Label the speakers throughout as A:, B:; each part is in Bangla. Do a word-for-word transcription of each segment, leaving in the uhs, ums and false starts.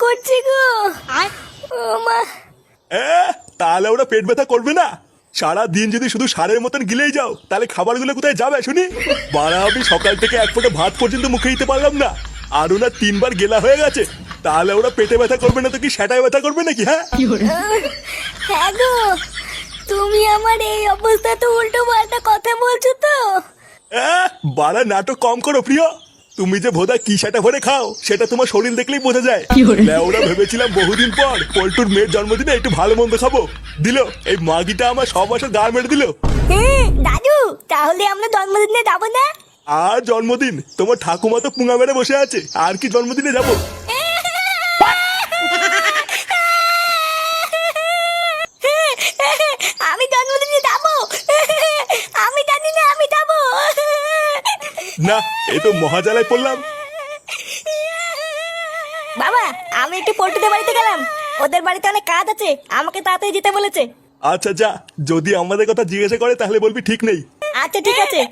A: করছে গো। ও মা।
B: তাহলে ওরা পেট ব্যথা করবে না? সারা দিন যদি শুধু সারের মতন গিলেই যাও তাহলে খাবারগুলো কোথায় যাবে শুনি? বাড়া আমি সকাল থেকে এক ফোঁটা ভাত পর্যন্ত মুখে দিতে পারলাম না, আর ওরা তিনবার গেলা হয়ে গেছে। তাহলে ওরা পেটে ব্যথা করবে না তো কি সেটাই ব্যথা করবে নাকি? হ্যাঁ
A: হ্যাঁ গো, তুমি আমার এই অবস্থা তো উল্টো পাল্টা কথা বলছো তো।
B: বাড়া নাটক কম করো প্রিয়। তুমি যে ভোদা কি সেটা ভরে খাও সেটা তোমার শরীর দেখলেই বোঝা যায়। ওরা ভেবেছিলাম বহুদিন পর পল্টুর মেয়ের জন্মদিনে একটু ভালো মন্দ খাবো, দিল এই মাগিটা আমার সব বছর গা মেরে দিল।
A: হ্যাঁ দাদু, তাহলে আমরা জন্মদিনে যাবো না?
B: আর জন্মদিন? তোমার ঠাকুমা তো পুঙা মেরে বসে আছে, আর কি জন্মদিনে যাবো?
A: আমি জন্মদিনে যাবো, আমি জানি না আমি যাবো
B: না, এই তো মহাজালায় পড়লাম।
A: বাবা আমি একটু পল্টুদের বাড়িতে গেলাম, ওদের বাড়িতে অনেক কাজ আছে, আমাকে তাড়াতাড়ি যেতে বলেছে।
B: আচ্ছা যা, যদি আমাদের কথা জিজ্ঞাসা করে তাহলে বলবি ঠিক নেই।
A: আচ্ছা ঠিক আছে।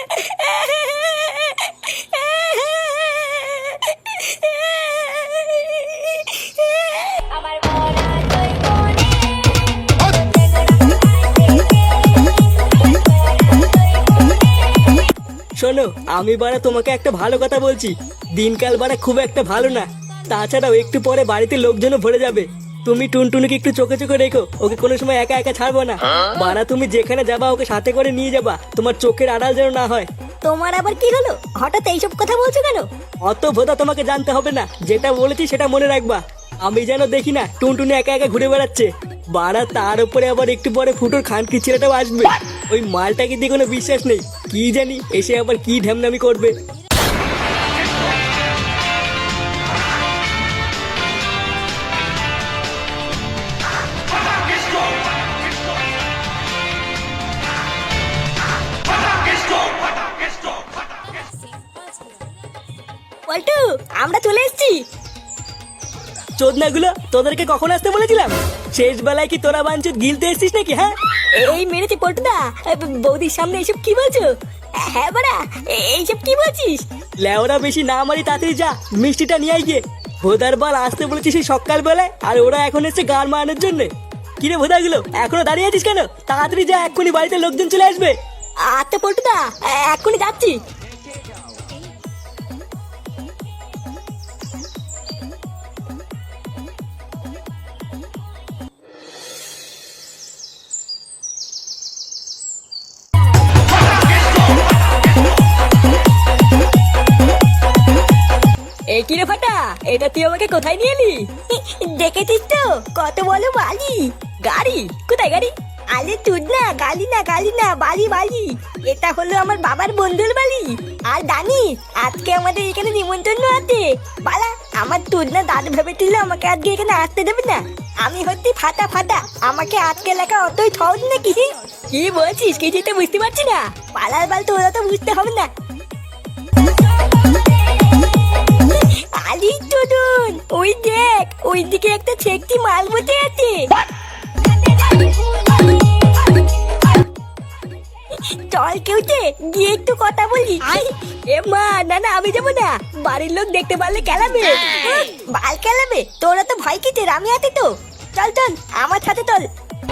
C: শোনো, আমি বাড়া তোমাকে একটা ভালো কথা বলছি, দিনকাল বাড়া খুব একটা ভালো না। তাছাড়াও একটু পরে বাড়িতে লোকজনও ভরে যাবে। তুমি টুনটুনিকে একটু চোখে চোখে রেখো, ওকে কোনো সময় একা একা ছাড়বো না। বাড়া তুমি যেখানে যাবা ওকে সাথে করে নিয়ে যাবা, তোমার চোখের আড়াল যেন না হয়।
A: তোমার আবার কি হলো, হঠাৎ এইসব কথা বলছো কেন?
C: অত ভোদা তোমাকে জানতে হবে না, যেটা বলেছি সেটা মনে রাখবা। আমি যেন দেখি না টুনটুনি একা একা ঘুরে বেড়াচ্ছে। বাড়া তার উপরে আবার একটু পরে ফুটোর খানকি ছেলেটাও আসবে। ওই মালটাকে দিয়ে কোনো বিশ্বাস নেই, কি জানি এসে আবার কি ঢ্যামনামি করবে।
A: পল্টু আমরা চলে এসেছি।
C: চোদনাগুলো, তোদেরকে কখন আসতে বলেছিলাম? শেষ বেলায় কি তোরা বাঞ্চুত গিলতে এসছিস নাকি? হ্যাঁ
A: এই মেরেছে পল্টুদা, বৌদির সামনে এইসব কি বলছো? হ্যাঁ বাড়া এইসব কি বলছিস?
C: লেওরা বেশি না মারি, তাড়াতাড়ি যা মিষ্টিটা নিয়ে আয় গিয়ে। ভোদার বাল আসতে বলেছিস সেই সকাল বেলায়, আর ওরা এখন এসছে গান মারানোর জন্য। কিরে ভোদাগুলো এখনো দাঁড়িয়ে আছিস কেন? তাড়াতাড়ি যা, এক্ষুনি বাড়িতে লোকজন চলে আসবে।
A: আচ্ছা পল্টুদা এক্ষুনি যাচ্ছি।
C: এই কিরে ফাটা, এটা তুই আমাকে কোথায় নিয়ে এলি?
A: দেখেছিস তো কত বলো বালি।
C: গাড়ি? কোথায় গাড়ি?
A: আরে তুই না, গালি না গালি না, বালি বালি। এটা হলো আমার বাবার বন্ধুর বাড়ি। আর জানি আজকে আমাদের এখানে নিমন্ত্রণ আছে। বালা আমার তুই না দাদু ভেবেছিল আমাকে আজকে এখানে আসতে দেবে না। আমি হচ্ছি ফাটা ফাটা, আমাকে আজকে লেখা অতই সহজ নাকি?
C: কি বলছিস, কিছুই তো বুঝতে পারছি না।
A: পালার বাল তোরা তো বুঝতে হবে না। আলি টুডুন ওই দেখ, ওই দিকে একটা ছেকটি মাল বসে আছে। চল কেউতে গিয়ে একটু কথা বলি।
C: এ মা, না না আমি যাবো না, বাড়ির লোক দেখতে পারলে কেলাবে।
A: বাল কেলাবে? তোরা তো ভয় কিতে, আমি আছি তো। চল চল আমার সাথে চল।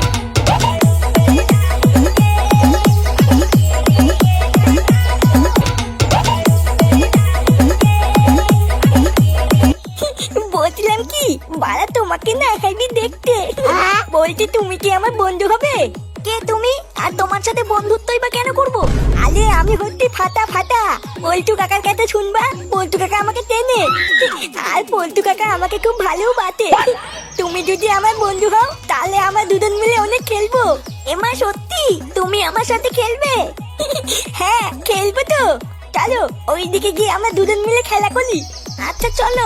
A: বলছিলাম কি বাড়া, তোমাকে না একাই দেখতে বলছি, তুমি কি আমার বন্ধু হবে? কে তুমি? আর তোমার সাথে বন্ধুত্বই বা কেন করবো? আরে আমি হচ্ছি ফাটা ফাটা, পল্টু কাকার কাছে শুনবা পল্টু কাকা আমাকে টেনে, আর পল্টু কাকা আমাকে খুব ভালো বাতে। তুমি যদি আমার বন্ধু হও তাহলে আমরা দুজন মিলে অনেক খেলবো। এমা সত্যি তুমি আমার সাথে খেলবে? হ্যাঁ খেলবো তো, চলো ওইদিকে গিয়ে আমরা দুজন মিলে খেলা করি। আচ্ছা চলো।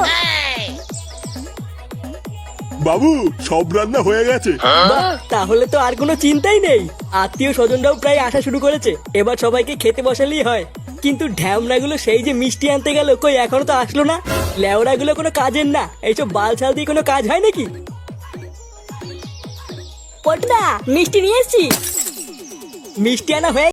B: বাবু সব রান্না হয়ে গেছে।
C: বাহ, তাহলে তো আর কোনো চিন্তাই নেই। আত্মীয় স্বজনরাও প্রায় আসা শুরু করেছে, এবার সবাইকে খেতে বসালেই হয়। কিন্তু ঢ্যামনাগুলো সেই যে মিষ্টি আনতে গেল, কই এখনো তো আসলো না। লেওড়াগুলো কোনো কাজের না, এইসব বাল ছাল দিয়ে কোনো কাজ হয় নাকি?
A: পল্টুদা মিষ্টি নিয়ে এসছি।
C: মিষ্টি আনা হয়ে